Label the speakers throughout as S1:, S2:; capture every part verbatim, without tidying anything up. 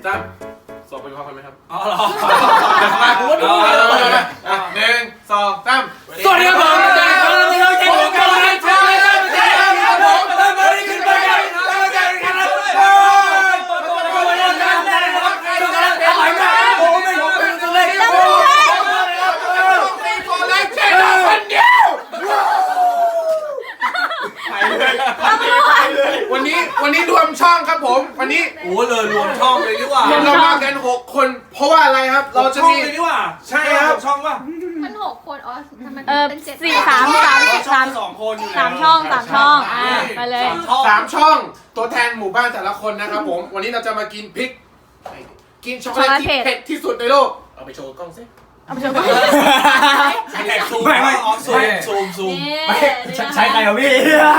S1: สามสองไปพร้อมกันไหมครับอ๋อเหรอมากูก็ดูเลยหนึ่งสองสามสวัสดีครับผมอาจารย์เราเราเก่งกันเลยใช่ไหมครับอาจารย์ครับผมตอนนี้ขึ้นไปกันอาจารย์ครับโอ้ยตัวนี้อาจารย์ได้ครับตัวนี้อร่อยมากโอ้ไม่ผมเป็นตัวเล็กโอ้ยตัวเล็กเจ๊คนเดียววันนี้วันนี้รวมช่องครับผมวันนี้โอ้เลยรวมช่องเลยดีกว่าเรามากันหกคนเพราะว่าอะไรครับเราจะมีเลยดีกว่าใช่ครับช่องว่า
S2: มันหกคนอ๋อทำไม
S3: เออ
S2: เป็นเจ็ด
S3: สี่สามสามสาม
S1: สองคนอยู่
S3: สามช่องสามช่องอ่าไปเลย
S1: สามช่องตัวแทนหมู่บ้านแต่ละคนนะครับผมวันนี้เราจะมากินพริกกินช็อกโกแลตที่เผ็ดที่สุดในโลกเอาไปโชว์กล้องสิ
S3: เอาไปโชว์ก่อน
S1: ซูมไม่ไม่ออฟซูมซูมซูม
S3: ใช้ใครเหรอพี่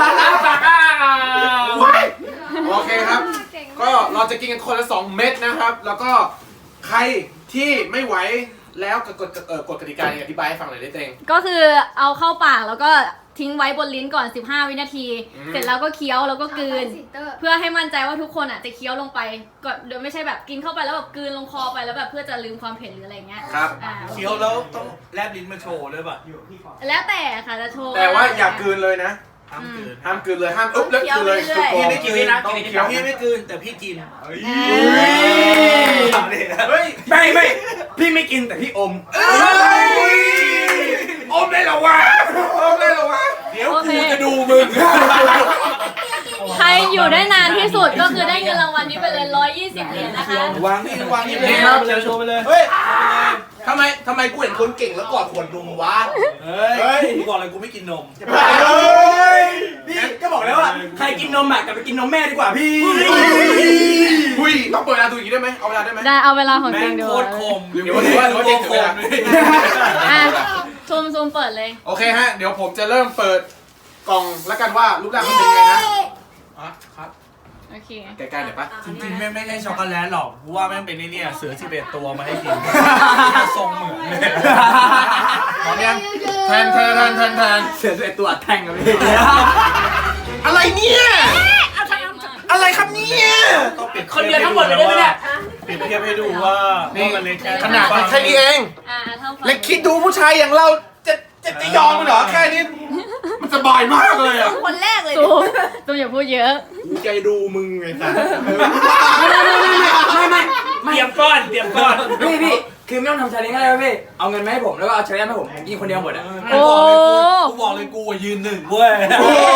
S1: โอเคครับก็เราจะกินกันคนละสองเม็ดนะครับแล้วก็ใครที่ไม่ไหวแล้วกฎเอ่อกฎกติกาอธิบายให้ฟังหน่อยได้เต็ง
S3: ก็คือเอาเข้าปากแล้วก็ทิ้งไว้บนลิ้นก่อนสิบห้าวินาทีเสร็จแล้วก็เคี้ยวแล้วก็กลืนเพื่อให้มั่นใจว่าทุกคนอ่ะจะเคี้ยวลงไปก่อนโดยไม่ใช่แบบกินเข้าไปแล้วแบบกลืนลงคอไปแล้วแบบเพื่อจะลืมความเผ็ดหรืออะไรเงี้ย
S1: ครับ
S4: เคี้ยวแล้วต้องแลบลิ้นมาโชว์เลยป่ะ
S3: แล้วแต่ค่ะจะโชว์
S1: แต่ว่าอย่ากลืนเลยนะ
S4: ห้ามกลืน
S1: ห้ามกลืนเลยห้ามอุ๊บแล้วกลืนเลย
S4: พี่ไม่กินนะต้องเคี้ยวพี่ไม่กลืนแต่พี่กิน
S1: เฮ้ย
S4: ไม่ไม่พี่ไม่กินแต่พี่อม
S1: อมได้หรอวะอมได้หรอวะเดี๋ยวกูจะดูมึง
S3: ใครอยู่ได้นานที่สุดก็คือได้เงินรางวัลนี้ไปเลยร้อยยี่สิบเหรียญนะคะ
S4: วางนี่วางนี่เลย
S1: ครับ
S4: โชว์ไปเลย
S1: เฮ้ยทำไมทำไมกูเห็นคนเก่งแล้วกอดขวดนมวะ
S4: เฮ้ยกูบอกเลยกูไม่กินนม
S1: พี่ก็บอกแล้วว่า
S4: ใครกินนมอ่ะกลับไปกินนมแม่ดีกว่าพี่
S1: หุ้ยต้องเปิดเวลาดูอย่างนี้ได้ไหมเอาเวลาได้ไหม
S3: ได้เอาเวลาของจริงดู
S4: โคตรคม
S1: เดี๋ยวว่าเด็กเวลา
S3: อ่ะซูมซูมเปิดเลย
S1: โอเคฮะเดี๋ยวผมจะเริ่มเปิดกล่องแล้วกันว่ารูปร่างมันเป็นยังไงนะอ๋อครับ
S3: โอเค
S1: ใกล้ๆหน่อยปะ
S4: จริงๆแม่ไม่ใช่ช็อกโกแลตหรอกเพราะว่าแม่งเป็นนี่เนี่ยเสือสิบเอ็ดตัวมาให้กินทรงเหมือนเลย
S1: พร้อมยังแทนแทนแทนแทนแทน
S4: เสือสิบเอ็ดตัวแทงกันพี่
S1: อะไรเนี่ยอะไรครับเนี่ย
S4: คนเดียวทั้งหมดเลยได้ไหมเนี่ยปิดเทียบให้ดูว่า
S1: นี่ขนาดแค่นี้เองเล็กคิดดูผู้ชายอย่างเราจะจะจะยอมเหรอแค่นี้มันสบายมากเลยอ่ะ
S2: คนแรกเลย
S3: ตูตูอย่าพูดเยอะ
S1: กูใจดูมึงไงสัส
S4: ไม่ไม่ไม่เตรียมก้อนเตรียมก้อน
S5: พี่พี่คือไม่ต้องทำชาเลนจ์อะไรพี่เอาเงินมาให้ผมแล้วก็เอาชาเลนจ์ให้ผมผมกินคนเดียวหมดอ่ะ
S3: โอ้
S4: กูบอกเลยกูยืนหนึ่งเว้ย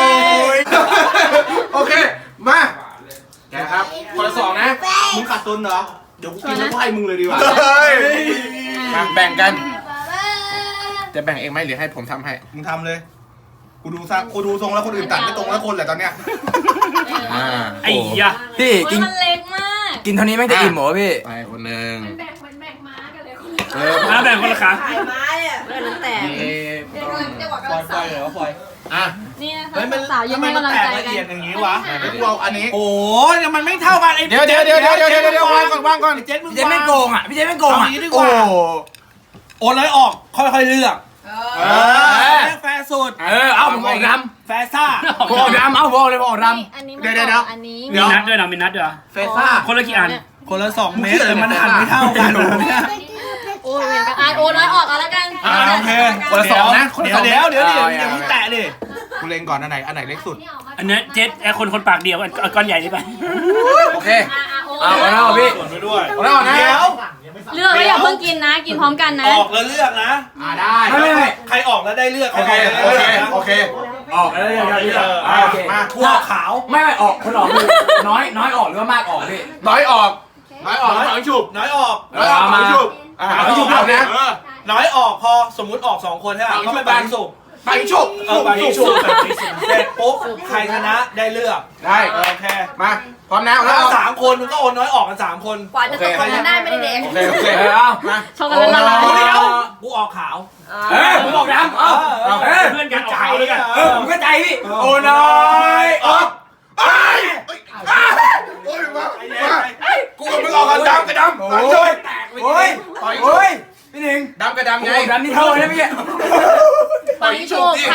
S1: โอเคมาแกครับคนละสองนะ
S4: มึงขาดตุนเหรอเดี๋ยวกูกินแล้วไพ่มึงเลยดีกว่า
S1: มาแบ่งกันจะแบ่งเองไหมหรือให้ผมทำให้
S4: มึงทำเลยกูดูซะกูดูทรงแล้วคนอื่นตัดไม่ตรงแล้วคนแหละตอนเนี้ย
S5: ไอ้ยะพี่กิน
S3: มันเล็กมาก
S5: กินเท่านี้ไม่จะอิ่มเหรอพี่
S1: ไปคนหนึ่ง
S2: แบ่งเป็นแบ่งม้ากันเลย
S1: เออมา
S4: แบ่งคนละขา
S2: ขายม้าเนี่ยเรื่องนั้นแต่เดี๋ยวกำลังจะบอกกำลังสาว
S4: เหรอฟอย
S1: อ่ะ
S3: นี่นะคะสาวยังไม่กำลังใจกันละเอียด
S4: อย่างนี้วะ
S1: กูเอาอันนี้
S4: โอ้ยมันไม่เท่ากันไอ้
S1: เดี๋ยวเดี๋ยวเดี๋ยวเดี๋ยวเดี๋ยวเดี๋ยววางก่อนวางก่อน
S4: พี่เจนมึง
S5: พี่เจนไม่โกงอ่ะพี่เจนไม่โกงอ่ะ
S4: โอ้โอนเลยออกค่อยๆเลือก
S1: เออ
S4: แฟร์สุด
S5: เออเอาผมออกด
S4: ำแฟร์ซ่า
S5: ผมออกดำเอาผมออกเลยผมออกด
S3: ำเดี๋ยวเดี๋ยวอันนี้
S4: มีนัดด้วยนะมีนัดด้วย
S1: แฟร์ซ่า
S4: คนละกี่อันคนละสองเมตรแต่มันหันไม่เท่ากัน
S3: โอ้ยเหมือนกันอ่ะโอ้น้อยออกเอาแล้วกัน
S4: โอเค
S1: คนละสองนะ
S4: เดี๋ยวเดี๋ยวเดี๋ยวเดี๋ยวอย่าเพิ่งแตะดิ
S1: กูเล็งก่อนอันไหนอันไหนเล็กสุด
S4: อันนี้เจ็ดไอคนคนปากเดียวก้อนใหญ่นี่ไป
S1: โอเค
S5: เอาแล้วพี่
S4: ส่วนไปด้วย
S1: เอาแล้วนะ
S4: เดี๋ยว
S3: เลือกแล้วอย่าเพิ่งกินนะกินพร้อมกันนะ
S4: ออกแล้วเลือกนะ
S1: อ่าได้
S4: ไม่ไม่ใครออกแล้วได้เลือก
S1: โอเคโอเคโอเค
S5: ออกแล้วเลือกโอเค
S4: มาทั่วขาว
S5: ไม่ไม่ออกคนออกคือน้อยน้อยออกหรือว่ามากออกพี่
S1: น้อยออกน้อยออกน้อยฉุบ
S4: น้อยออก
S1: น้อยออกน้อยฉุบอ่าน้อยฉุบเอานะ
S4: น้อยออกพอสมมุติออกสองคนใช่ไหมก็ไปแบ่งสุก
S1: ไปฉุบ
S4: เออไปฉุบเสร็จปุ๊บใครชนะได้เลือก
S1: ได้
S4: โอเค
S1: มาพร้อมแล้ว
S4: แล้วสามคนมันก็โอนน้อยออกกันสามคน
S2: กว่าจะตกกันได้ไม่ได้เด็ก
S1: โอเคโอเคเอามา
S3: ชอบกันเลยละลาย
S4: เดี๋ยวกูออกขาว
S5: เออผมออกดำเออ
S4: เพื่อนกันจ่ายเลยกัน
S5: เออผมก็ใจพี่
S1: โอ้น้อยออกไอ้โอ้ยมามากูกับมึงออกกันดำกับดำโอ้ยแตกเลยโอ้ย
S5: โอ้ยพี่หนึ่ง
S1: ดำกับดำไง
S5: ดำนี่เท่าเลยนะพี่
S3: ต่อยโชว์ใคร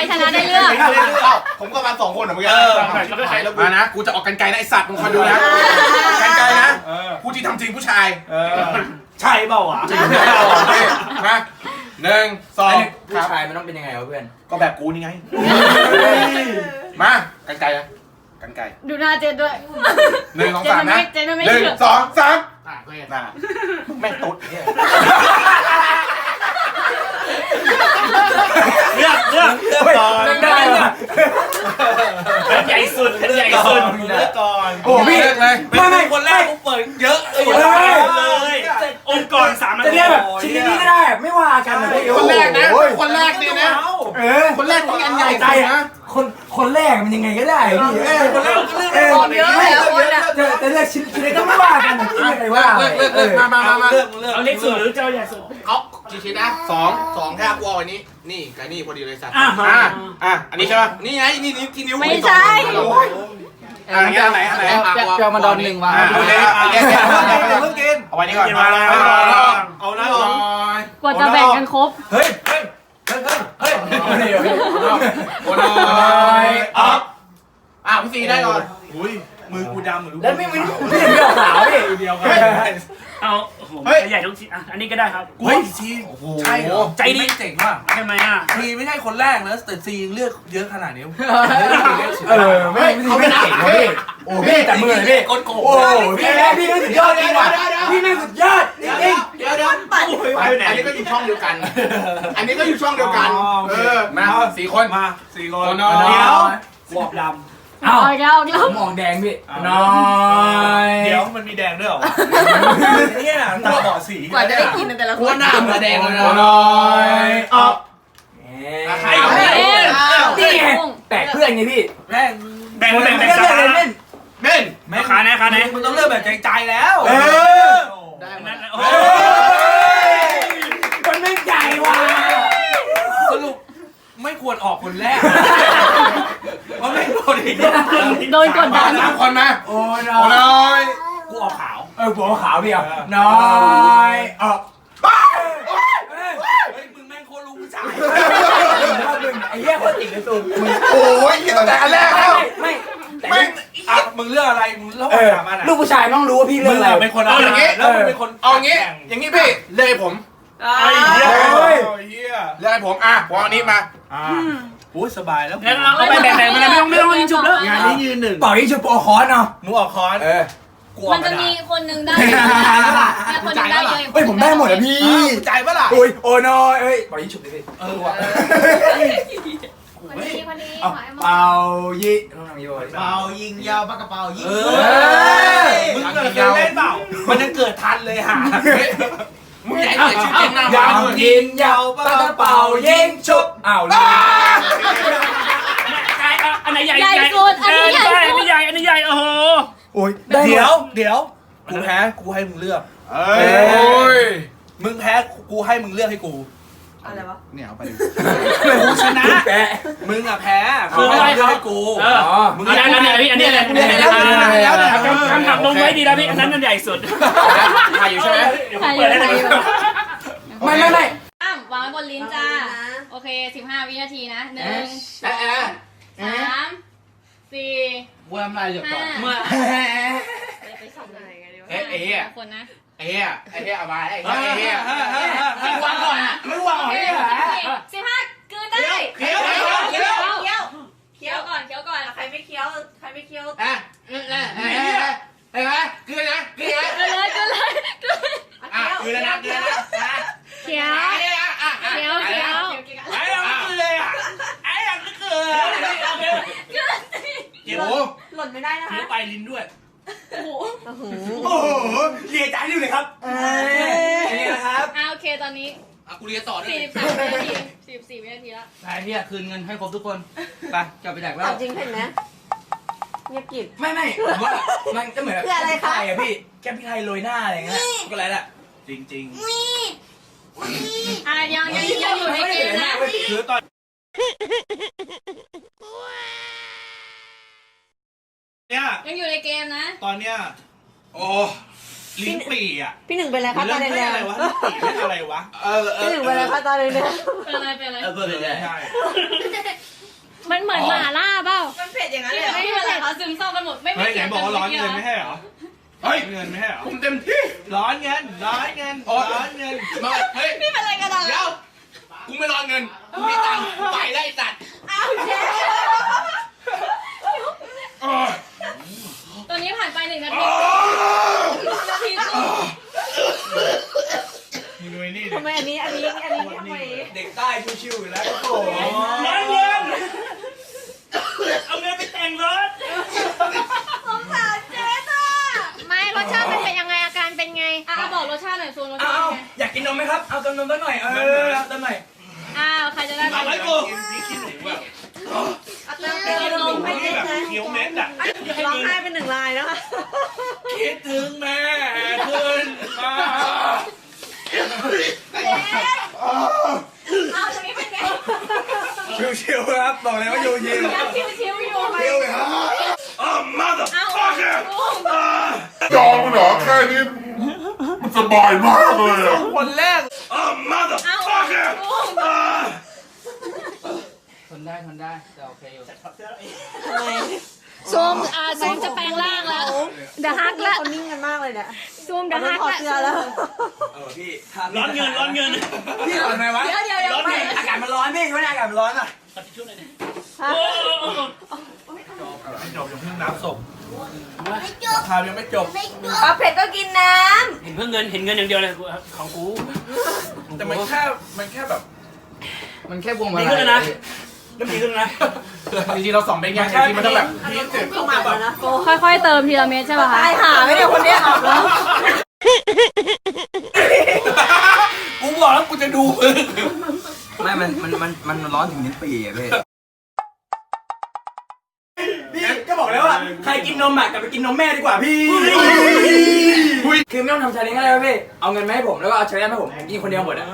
S3: ชนะได้เลือก
S1: ผมก็มาสองคนเหมือนกันมานะกูจะออกกันไกลนะไอสัตว์มึงคอยดูนะกันไกลนะผู้ที่ทำจริงผู้ชาย
S4: ใช่เปล่าวะ
S1: จริงมาหนึ่งสอง
S5: ผู้ชายมันต้องเป็นยังไงวะเพื่อน
S1: ก็แบบกูนี่ไงมากันไกลนะกันไกล
S3: ดูหน้าเจนด้วย
S1: หนึ่งสองสามนะ
S3: เจนไม่
S1: หนึ่ง
S3: เชื่อ
S1: สองสามอ่ะก็เห็นนะแม่งตุ๊ดเนี่ย
S4: เลือกเลือกเลือกก่อน
S5: ได้เลย
S4: ใหญ่สุดใหญ่สุดเลือกก่อน
S1: โอ้พี่เลย
S4: ไม่ไม่คนแรกกูเปิดเยอะเลยเลยองค์กรสามนาที
S5: จะเรียกแบบชิ้นนี้ก็ได้ไม่ว่ากันนะพี่
S1: คนแรกนะคนแรกเนี่ยนะ
S5: เออ
S1: คนแรกต้องอันใหญ่
S5: ใจ
S1: ใจ
S5: อ่ะ
S1: นะ
S5: คนคนแรกมันยังไงก็ได้พี่เออคนแรกเออ
S2: เยอะแล้วคนอ่ะ
S5: จะจะเลือกชิ้นชิ้นเล็กก็ไม่ว่ากันนะพี่ไม่ว่า
S1: เลิกเลิกเลิกมามามามา
S4: เลือกเลือกเอาเล็กสุดหรือเจ้าใหญ่สุด
S1: เอากี่ชิ้นนะสองสองแค่กูเอาอันนี้นี่กับนี่พอดีเลยสัตว์
S4: อ่ะ
S1: อ่ะอ่ะอันนี้ใช่ป่ะนี่ไงนี่นี่ที่นิ้ว
S3: ไม่ใช่
S1: อ่ะอันไหนอันไหน
S5: เจ้ามาดอนหนึ่งวาง
S1: โอเคแยกแยกเพิ่งกินเอาไว้นี่ก่อน
S4: กินมาแล้วเอาแล้ว
S3: กว่าจะแบ่งกันครบ
S5: เฮ้ยเฮ้ยเฮ้ยเฮ้ยเฮ้ย
S1: โอ้ยอ่ะอ่ะพี่ซีได้ก่อน
S4: อุ้ยมือกูดำเหมือน
S5: แล้วไม่ไม่ไม่เดียวขาวพี่
S4: เดียวกันเอาใหญ่ทุกชิ้นอ่ะอันนี้ก็ได้ครับ
S6: เฮ้ยซีใช่เหรอ
S4: ใจดี
S6: เจ๋งว่ะ
S4: ทำไมอ่ะ
S6: ซีไม่ใช่คนแรกนะแต่ซีเลือกเยอะขนาดนี้
S5: เออไม่ไม่ไม่เก่งนะพี่โอ้พี่แต่มือเลยพี่
S6: ก้นโกง
S5: โอ้พี่แม่พี่ไม่สุดยอดจริงว่ะพี่ไม่สุดยอดจริง
S1: เดี๋ยวเดี๋ยวอันนี้ก็อยู่ช่องเดียวกัน อันนี้ก็อยู่ช่องเดียวกันเออมาสี่คน
S6: มาสี่คน
S1: โอ้ย
S4: เดี๋ยวบวบดำ
S5: ๆอ้าว
S3: เอาอีกแล้วเอาอีกแล้ว
S5: มองแดงพี่น้อย
S6: เดี๋ยวมันมีแดงด้วยเหรอเนี่ยตาบอดสี
S2: กว่าจะได้กินแต่ละคน
S1: หน้ามันแดงเลยนะน้อยออก
S5: ใครเองนี่ไงแปลกเพื่อนไงพี่
S6: แม่ง
S4: แบ่งแบ่ง
S5: ไม่
S4: แบ่ง
S5: เลือกเลย
S4: เล่
S5: เล่
S4: น
S5: น
S1: เม่น
S4: ไม่ขาไหนขาไหน
S6: มึงต้องเลือกแบบใจๆแล้ว
S5: เออ
S4: นั่นโอ้
S5: มันไม่ใหญ่ว่ะ
S6: สรุปไม่ควรออกคนแรกเพราะไม่โดนอีก
S3: โดนกดดัน
S1: สามคนมา
S5: โอ้ย
S1: โอ้ย
S6: กูออกขาว
S5: เออหัวขาวพี่อ่ะน้อยออก
S6: เฮ้ยมึงแม่งโคตรรู้ผู้ชาย
S5: ไอ้เหี้ยคนติ่งเลยตูม
S1: โอ้ยตั้งแต่อันแรกแล้ว
S5: ไม่ไม่
S1: ไม่
S6: อ่ะมึงเลือกอะไรมึงเลือก
S5: เออ
S6: สามอันอ่ะ
S5: ลูกผู้ชายต้องรู้ว่าพี่เลื
S6: มึ
S5: อก
S6: ง
S5: อะไร
S6: อ่ะเป็นคนเอาอย่างงี้แล้วมึงเป็นคน
S1: เอาอย่างงี้อย่างงี้พี่เลือกให้ผม
S4: ไอ้เหี้ย
S6: เฮีย
S1: เลือกให้ผมอ่ะผมเอาอันนี้มา
S6: อ่าโอ้ยสบายแล้ว
S4: งั้นเราไปแบ่งๆมันไม่ต้องไม่ต้องยิงฉุบแล้ว
S6: งานนี้ยืนหนึ่ง
S5: เป่ายิงชุบโปรคอนเนาะ
S6: หนูออกคอน
S5: เออ
S6: กูออ
S3: มั
S6: ก
S3: น
S6: ก
S3: จะ
S6: ระดา
S3: มี
S6: ษ
S3: คนหนึงได้เนี่ยคนหนึงได้เยอะ
S5: เฮ้ยผมได้หมดอ่ะพี่
S6: ใจปะล่ะ
S5: โอ้ยโอ้น้อยเอ้ยเป่ายิงชุบดิพี่
S6: เออว่ะ
S2: คนนี้คนนี้
S5: เอาเป่ายิต้องทำยี่ห้อ
S7: เป่ายิงยาวปากกระเป๋ายิง
S6: เออมึงเคยเล่นเปล่ามันยังเกิดทันเลยห่า
S1: มึงใหญ่เลยชื่อเก่งหน้า
S5: ยั
S1: บ้าง น
S5: ยิงยาวปากกระเป๋ายิงชุบอ้าวเลย
S4: อันไหนใหญ่
S3: ใหญ่สุดอันนี้ใหญ่
S4: อัน
S3: สุ
S4: นี้
S3: ด
S4: ใหญ่อันนี้ใหญ่โอ้โห
S5: โอ้ย
S6: เดี๋ยวเดี๋ยวกูแพ้กูให้มึงเลือก
S1: เอ้ย
S6: มึงแพ้กูให้มึงเลือกให้กู
S2: อะไรวะ
S1: เนี่ยเอาไปดิ
S6: กูชนะ
S5: แปะ
S6: มึงอ่ะแพ้กูให้มึงเลือกให้กู
S4: เออมึงได้แล้วเนี่ยพี่อันนี้อะไรคำถามลงไว้ดีแล้วพี่อันนั้นอันใหญ่สุด
S1: ถ่ายอยู่ใช่ไหม
S3: ใครอยู่ใครอยู่
S5: ไม่ไม่ไม่
S3: อ้าววางไว้บนลิ้นจ้า โอเคสิบห้าวินาทีนะหนึ่งส
S1: เอ๊ะ
S3: อง
S1: เอ๊ะ
S3: สามสี่
S1: กูทำอะไรอยู่ก่อน
S3: ห้า
S2: ไปส่งไหนกันดีวะ
S1: เอ๊ะเอ๊ะ
S3: คนนะ
S1: ไอ้เหี้ยไอ้เหี้ยเอามาไอ้เหี้ยไอ้เหี้ยไอ้วางก่อนอ่ะไม่วางก่อน
S3: โอ
S1: ไอ้
S3: เค
S1: เหี้ย
S3: สิบห้ากลืนได้
S1: เคี้ยวเคี้ยวเคี้ยว
S2: เคี้ยว
S3: เคี้ยวก่อนเคี้ยวก่อน
S2: ใครไม่เคี้ยวใครไม่เคี้ยว
S1: อ่ะเอ๊ะเอ๊ะเอ๊ะเอ๊ะเอ๊ะกลืนนะกลืนนะ
S3: กลืนเลยกลืนเลยกลืน
S1: อ่ะกลืนแล้วนะกลืนแล้วนะ
S3: เคี้ยว
S1: เคี้ยวอ่ะ
S3: เคี้ยวเคี้ยว
S4: ไอ้ยังไม่เกลืออ่ะไอ้ยังไม่เกลือ
S3: กลืนสิ
S1: โอ้โห
S2: หล่นไม่ได้นะ
S4: เคี้ยว
S2: คะ
S4: ไปลิ้นด้วย
S3: โอ้โห
S5: โอ้โหเลียใจอยู่เลยครับเอ้ยนี่นะครับ
S3: อ่าโอเคตอนนี้
S1: อ่ะกูเรียนต่อด้วย
S3: สี่สิบสามวินาทีสี่สิบสี่วินาทีแล้ว
S6: ไอ้เหี้ยคืนเงินให้ครบทุกคนไปกลับไปแดกแล้
S2: เอา
S6: ว
S2: จริงเห็นไหมเงียบกริบ
S5: ไม่ไม่ผมว่ามันก็เหมือน
S2: คืออะไรคะ
S5: แกพี่แกพี่ไทยโรยหน้าอะไรเงี้ยก็แล้วแหละ
S6: จริง
S3: อ่ะยังยังยังอยู่ในเกมนะ
S6: ๆคือตอนเนี้ย
S3: ยังอยู่ในเกมนะ
S6: ตอนเนี้ย
S1: โอ้
S4: ลิ้นปี่อ่ะ
S2: พี่หนึ่งเป็นอะไรคะ
S4: เรื่
S2: ตา
S4: อง
S2: แด
S4: แค่
S2: ง
S4: อะไรวะลิ้นปี่เรื่องอะไรวะ
S1: เออเอ
S2: ๆพี่
S1: อ
S2: หนึ่งเป็นอะไรคะตาแดง
S3: เป็นอะไรเป็นอะไร
S1: เออตัวใหญ่
S4: ใช่
S3: มันเหมือนหมาล่าเปล่า
S2: มันเผ็ดอย่างนั้นเลย
S3: ไม่เป็นไรเขาซึมเศร้ากันหมดไม่ไม่
S4: เฮ้ยไหน
S3: เกี่ยว
S4: บอกว่าร้อนเงิน
S3: ไม่
S4: ไม่ใช่เหรอ
S1: เฮ้ย
S4: เงินไม่ใช่เหรอ
S1: ผมเต็มที่
S4: ร้อนเงินร้อนเงินร้อนเงิน
S1: มาเฮ้ย
S3: นี่เป็นอะไรกันอ่ะ
S1: เดี๋ยวกูไม่รอนเงินกูมีตังค์ไปได้สัตว์
S2: อ้าวเจ๊
S3: ตอนนี้ผ่านไปหนึ่งนาทีนาทีครึ่ง
S4: มึงดูไอ้นี่ดิ
S2: ทำไมอันนี้อันนี้อันนี้ทำไม
S5: เด็กใต้ชิวๆอยู่แล้วครับผม
S4: ร้อนเงินเอาเงินไปแต่งรถ
S2: สงสารเจ๊อ่ะ
S3: ไม่รสชาติมันเป็นยังไงอาการเป็นไงอ่ะบอกรสชาติหน่อยโซนรสชา
S5: เอา
S3: ติ
S5: เอา
S3: เป็นไง
S5: อยากกินนมไหมครับเอาเติมนมสักหน่อยเออเอาเติมหน่อย
S3: อ้าวใครจะได้
S1: ทำ
S3: ไป
S1: ไรกู
S4: พี่คิดถึงแบบ
S2: เอาเติมไปกินนมไปเล็ก
S4: แบบ
S2: เลย
S4: เคี้ยวเม็ดอ่ะ
S2: ร้องไห้เป็นหนึ่งลายแล้วค่ะ
S4: คิดถึงแม่ขึ้นมา
S3: เอาตรงนี้เป็นไง
S5: ชิวๆครับบอกเลยว่าชิว
S3: ยังชิวชิวอยู่ไหม
S4: อ๋อ mother
S3: เอา
S4: fucker
S8: ยอมเหรอแค่นี้มันสบายมากเลยอะ
S1: คนแรก
S4: อ๋อ mother
S3: เอา
S4: fucker
S5: ทนได้ทนได้แต่โอเคอยู่
S3: ซูมอ่าซูมจะแปลงร่างแล้วเดอะฮักแล้ว
S2: เขานิ่งกันมากเลยเนี่ย
S3: ซูมเด
S2: เขา
S3: อะ
S2: ต้อ
S3: ฮั
S2: ง
S3: ก
S2: ถอด
S3: แล้ว
S2: เสื้อแล้ว
S5: เออพี่
S4: ร้อนเงินร้อนเงิน
S5: พี่ทำไมวะ
S3: เดี๋ยวเดี๋ยวเดี๋ยว
S5: ร้อน
S3: ไม่
S5: เงินอากาศมันร้อนพี่ช่วยอากาศมันร้อนอ่ะ
S4: ไม่จบยังเพิ่งน้ำศพราคายังไม่จบ
S2: เอาเผ็ดก็กินน้
S6: เห็นเพื่อเงินเห็นเงินอย่างเดียวเลยของกู
S1: แต่มันแค่มันแค่แบบ
S5: มันแค่วงมา
S6: ดีขึ้นแล้วนะเริ่มดีขึ้นแล้วนะ
S1: จริงๆเราสองเป็นไงจริงๆมันต้องแบบพีค
S2: ำก็หมักแล้วนะ
S3: ค่อยๆเติมทีละเม็ดใช่ป่ะคะ
S2: ตายหาไม่ได้คนเนี้ยอาบแล้ว
S1: กูบอกแล้วกูจะดูมึง
S5: ไม่ มัน มัน มัน มันร้อนถึงนิ้นปีอ่ะพี่พี่ก็บอกแล้วว่าใครกินนมอ่ะกลับไปกินนมแม่ดีกว่าพี่คือไม่ต้องทำชาเลนจ์อะไรวะพี่เอาเงินมาให้ผมแล้วก็เอาชาเลนจ์ให้ผมผมกินคนเดียวหมดอ่ะ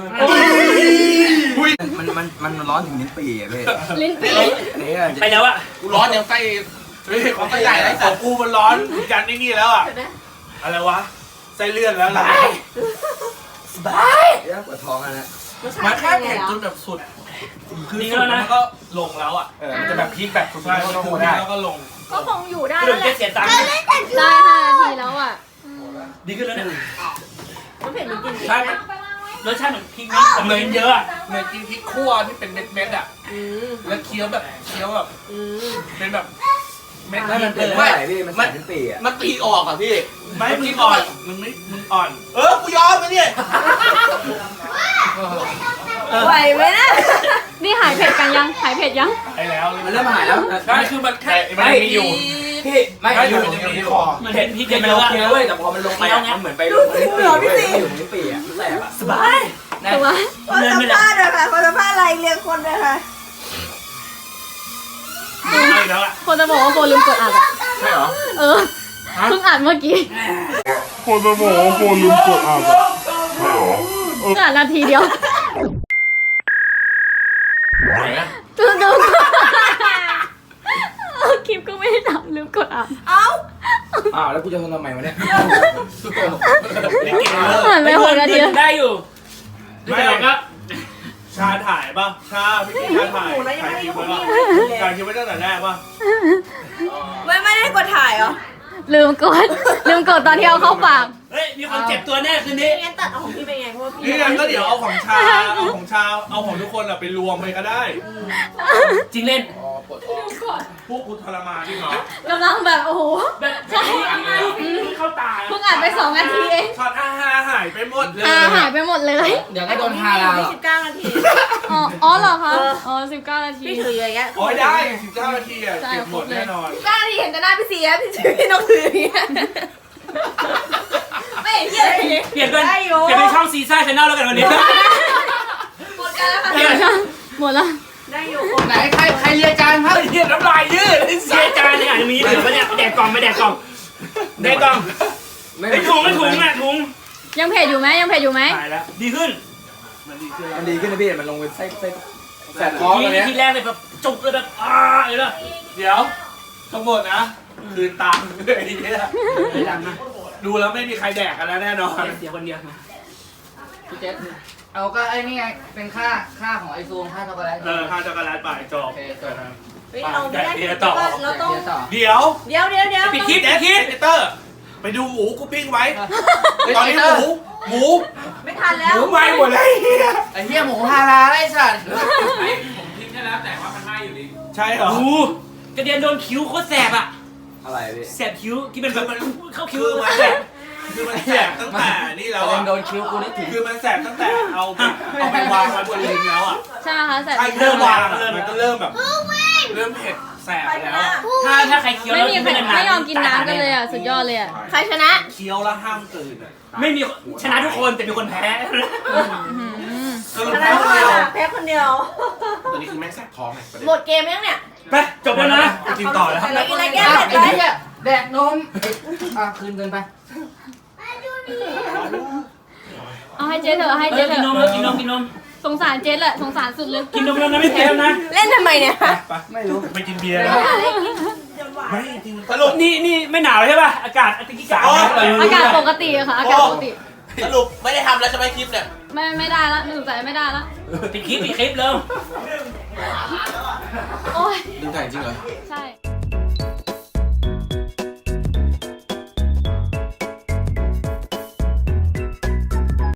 S5: มัน มัน มันร้อนถึงนิ้นปีอ่ะพี่
S3: ลิ้นปี
S5: อันนี้
S6: ไปแล้วอะ
S1: กูร้อนยังไส้เฮ้ยของไส้ใหญ่ไร
S4: ข
S1: สั
S4: อ
S1: ต
S4: ง
S1: ว์
S4: กูมันร้อนกันนี่นี่แล้วอ่ะอะไรวะไส้เลื่อนแล้วล่ะ
S5: บายปวดท้องอ่ะนะ
S1: มันแค่เผ็ดจนแบบสุด
S4: คือสุดแล้วมันก็ลงแล้วอ่ะ
S1: เออมันจะแบบพีคแบบสุด
S4: ใช่
S1: ๆ
S4: มัน
S1: ก็
S4: ถู
S1: กู
S4: ก
S1: ได้
S4: แล้วก็ลง
S3: ก็คงอยู่ได้
S6: เริ่
S3: แล้
S6: ม
S3: วแห
S6: เจ็
S3: ละ
S6: ดเสียตังค์
S3: ได้ห้านาทีแล้วอ่ะ
S6: ดีขึ้นแล้วเนี่ย
S2: มันเผ็ดมันกิน
S1: ใช่มัน
S6: รสชาติเหมือนพริกนะแต่
S1: เห
S6: เห
S1: มื
S6: มื
S1: อ
S6: อน น
S1: เย
S6: เย
S1: อะ
S6: อะ
S1: เหมือนกินพริกคั่วที่เป็นเม็ดๆอ่ะ
S2: อืม
S1: แล้วเคี้ยวแบบเคี้ยวแบบ
S2: อืม
S1: เป็นแบบเม็ด
S5: ไม่มันเป็น
S1: ไม่
S5: ไม่พี่มันใส่นิ้นปีอ่ะ
S1: มันตีออกอ่ะพี่
S4: ไม่มึงอ่อนมึงไม่มึงอ่อน
S1: เออกูยอมไปเนี่ย
S2: ไหวไหมนะ
S3: นี่หายเผ็ดกันยังหายเผ็ดยัง
S4: ไปแล้ว
S5: มันเริ่มหายแล้ว
S1: ใช่คือมันแค่
S4: มันยังมีอยู่
S5: พี่ไม่
S1: ไม่
S5: อยู่
S1: มันยังมีคอ
S6: มันเป็นพริก
S5: เผ็ด
S6: เย
S5: มัน
S6: อะ
S5: โอเคเว้ยแต่พอมันลงไปอ่ะมันเหมือนไปลงนิ้นปีเว้ยอยู่นิ้นปีอ่ะแสบอ่ะสบาย
S3: ถูกไหม
S2: พอสัมภาษณ์เลยค่ะพอสัมภาษณ์อะไรเรียงคนเลยค่ะ
S6: เอาแล้วอะ
S3: คนจะบอกว่าโฟลืมกดอัดอ่ะ
S1: ใช่เหรอ
S3: เออเพิ่งอัดเมื่อกี้
S8: คนจะบอกว่าคนลืมกดอ่านอะใช่เหรอ
S3: เพิ่งอัดนาทีเดียว
S1: ไหนอะ
S3: ลืมดูคลิปก็ไม่ได้ทำลืมกดอัด
S2: เอ้า
S5: อ้าวแล้วกูจะทนทำไมวะเนี่ย
S3: ผ่านไปหกนาที
S6: ได้อยู่
S4: ไม่
S6: แต่เราก็
S4: ชาถ่ายป่ะชาพี่กินชาถ่าย
S2: หนูนะยัง
S4: ถ่าย
S2: ไม่
S4: ค
S2: ได้
S4: ลิป
S2: คุ
S4: ไว้
S2: ณ
S4: ป่ะ
S2: นี่
S4: ถ่ายคลิปไว้ตั้งแต่แรกป่ะ
S2: ไม่ไม่ได้กดถ่ายเหรอ
S3: ลืมกดลืมกดตอนที่เอาเข้าปาก
S6: เฮ้ยมีคนเจ็บตัวแน่คืนนี้
S2: งั้นตัดเอาของพี่ไปไงเพราะว่าพี่
S4: นี่งั้นก็เดี๋ยวเอาของชาเอาของชาเอาของทุกคนอะไปรวมไปก็ได้
S6: จริงเล่น
S4: พวกกูทรมานจริงเหรอก
S3: ำลังแบบโอ้โห
S6: แบบเข้าตา
S3: เพิ่งอัดไปสองนาทีเอง
S4: ช็อตอาหาหายไปหมดเลย
S3: อาหายไปหมดเลย
S5: เดี๋ยวก็โดน
S2: พี่
S5: ฮา
S2: อ
S5: ลา
S2: ยู่
S5: ล
S2: ที่สิบเก้านาที
S3: อ๋ออ๋อเหรอคะอ๋อสิบเก้านาที
S2: พี่ถืออย่างเงี้ย
S4: โอ้ยได้สิบเก้านาทีอะเก็บหมดแน่นอน
S2: สิบเก้านาทีเห็นแต่หน้าพี่เสียพี่พี่น้องถืออย่างเงี้ยไม่เห็นเหี้ยอะไรอย่างเงี้ย
S6: เปลี่ยนเป็น
S2: ได้อยู่
S6: เปลี่ยนเป็นช่องซีซ่าชาแนลแล้วกันวันนี้
S2: หมดกันแล้วค่ะ
S3: เดี๋ยวนะหมดละ
S2: ได้อยู่
S1: ไหนใครใครเรียนจานครับ
S4: เฮียน้ำลายยืดไอ้
S6: เสียจานเนี่ยอาจจะมีเหลือปะเนี่ยแดกกล่องไปแดกกล่องแดกกล่อง
S5: ไม่
S6: ไอ้ถุงไอ้ถุงอ่ะถุง
S3: ยังเผ็ดอยู่ไหมยังเผ็ดอยู่ไหม
S6: หายแล้วดีขึ้น
S4: มันดีขึ้น
S5: มันดีขึ้นนะพี่มันลงเป็นไส้ไส้
S1: แสบท้อง
S6: ที
S1: ตอนเนี้ย
S6: ทีแรกเลยแบบจุกเลยแบบอ้าเลยนะ
S4: เดี๋ยวทั้งหมดนะ คืนตังค์ไอ้เหี้ย
S6: ไม่ดังนะ
S4: ดูแล้วไม่มีใครแดกกันแล้วแน่นอน
S5: เดี๋ยวคนเดียวมา
S7: พี่เจษเอาก็ไอ้นี่ไงเป็นค่าค่าของไอซูมค่าช็อกโกแลต
S4: เออข้าวช็อกโกแลตไปจบ
S7: โอเคจบ
S2: เฮ้ยเราไม่ได้
S4: เดี๋ยวต่อ
S2: เราต้อง
S7: เดี๋ยวต่อ
S4: เดี๋ยว
S2: เดี๋ยวเดี๋ยวเดี๋ยว
S4: ปิดคลิปปิดคลิปเตอร์ ไปดูหมูกูปิ้งไว้ ตอนนี้หมู หมู
S2: ไม่ทัน
S4: ห
S2: แล้ว
S4: มูไหม้หมดเลย
S7: ไอ้เหี้ยหมูฮาราไอ้สัตว์
S6: ผมทิ้งแค่แล้วแต่ว่ามันไหม้อยู่ดี
S4: ใช่เหรอ
S5: โอ้กระเด็นโดนคิ้วโคตรแสบอ่ะ
S1: อะไรพี่
S5: แสบคิ้วที่เป็นแบบเข้าคิ้ว
S4: คือมัน
S5: แส
S4: แส
S5: บบ
S4: คือมันแสบตั้งแต่นี่แล้ว
S7: ประเด็
S4: อ่ะ
S7: นโดนคิ้วกูนี่ถึง
S4: คือมันแสบตั้งแต่เอาไปเอาไปวางไว้บนลิ้นแล้วอ่ะ
S3: ใช่ไหมคะแต่
S4: ใช่เริ่มวางอะมันก็เริ่มแบบ เริ่มเผ็ดแสบแล้วอะ
S5: ถ้าถ้าใครเคี้ยว
S3: ไม่
S5: แล้ว
S3: มี
S5: กิน
S3: ใคร
S5: ไม่นาน
S3: ไม่ยอมกินน้ำกันเลยอ่ะ สุดยอดเลยอ่ะ ใครชนะ
S4: เคี้ยวแล้วห้ามกลืนอ่ะ
S5: ไม่มีชนะทุกคนแต่มีคนแพ้
S4: สรุป
S2: อะไร
S4: แล้ว
S2: วะ
S4: เดียว
S2: แพ้คนเดียว
S1: ตัวนี้คือแม่งแสบท้องไงประเด็น
S2: หมดเกมยังเนี่ย
S5: ไปจบแล้วนะ
S4: กินต่อแล้ว
S2: อะไรกินอะไรแก้
S7: อ่ะ
S2: เผ็ด
S7: ไอ้
S2: ไหม
S7: เหี้ยแดกนมอ่ะคืนเงินไป
S3: เอาให้เจ๊เถอะให้
S5: เอ
S3: เจ๊
S5: อ
S3: เถ
S5: กินนม
S3: อะ
S5: แล้วกินนมกินนม
S3: สงสารเจ๊แหละ สงสารสุดเลย
S5: กินนมแล้วนะไม่แพ้แล้วนะ
S2: เล่นทำไมเนี่ย
S7: ไม่รู้
S4: ไปกินเบียร์
S2: ไม่
S4: แล้ว
S2: หาอะไรกิน
S4: ไม่จริงสรุป
S5: นี่นี่ไม่หนาวใช่ป่ะอากาศอากาศกาศ
S4: อ๋อ
S3: อากาศปกติอะค่ะ อากาศปกติ
S1: สรุปไม่ได้ทำแล้วใช่ไหมคลิปเนี่ย
S3: ไม่ไม่ได้ละไม่สงสัยไม่ได้ละ
S5: ปิดคลิปปิดคลิปเร็ว
S3: โอ้ย
S1: ดึงถ่ายจริงเหรอ
S3: ใช่